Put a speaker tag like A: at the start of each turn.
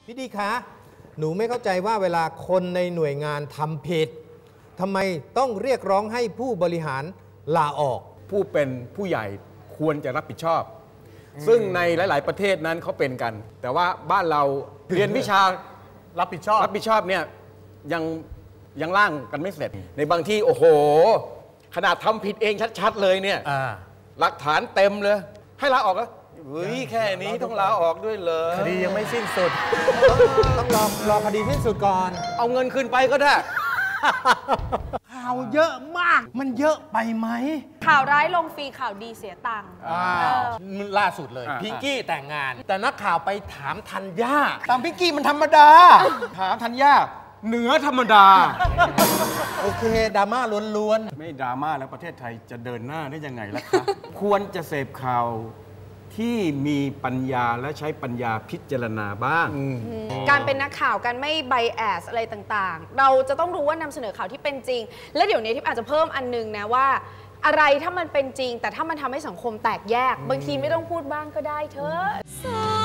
A: พี่ดีคะหนูไม่เข้าใจว่าเวลาคนในหน่วยงานทำผิดทำไมต้องเรียกร้องให้ผู้บริหารลาออก
B: ผู้เป็นผู้ใหญ่ควรจะรับผิดชอบซึ่งในหลายๆประเทศนั้นเขาเป็นกันแต่ว่าบ้านเราเรียนวิชารับผิดชอบเนี่ยยังร่างกันไม่เสร็จในบางที่โอ้โหขนาดทำผิดเองชัดๆเลยเนี่ยหลักฐานเต็มเลยให้ลาออกแล้วเฮ้ยแค่นี้ต้องลาออกด้วยเลย
A: คดียังไม่สิ้นสุดต้องรอคดีสิ้นสุดก่อน
B: เอาเงินคืนไปก็ได้
C: ข่าวเยอะมากมันเยอะไปไหม
D: ข่าวร้ายลงฟรีข่าวดีเสียตังค์
A: ล่าสุดเลยพิงกี้แต่งงานแต่นักข่าวไปถามธัญญา
B: ตามพิงกี้มันธรรมดาถามธัญญาเหนือธรรมดา
A: โอเคดราม่าล้วน
B: ๆไม่ดราม่าแล้วประเทศไทยจะเดินหน้าได้ยังไงล่ะคะควรจะเสพข่าวที่มีปัญญาและใช้ปัญญาพิจารณาบ้าง
D: การเป็นนักข่าวการไม่ไบแอสอะไรต่างๆเราจะต้องรู้ว่านำเสนอข่าวที่เป็นจริงและเดี๋ยวนี้ทิพย์อาจจะเพิ่มอันนึงนะว่าอะไรถ้ามันเป็นจริงแต่ถ้ามันทำให้สังคมแตกแยกบางทีไม่ต้องพูดบ้างก็ได้เถอะ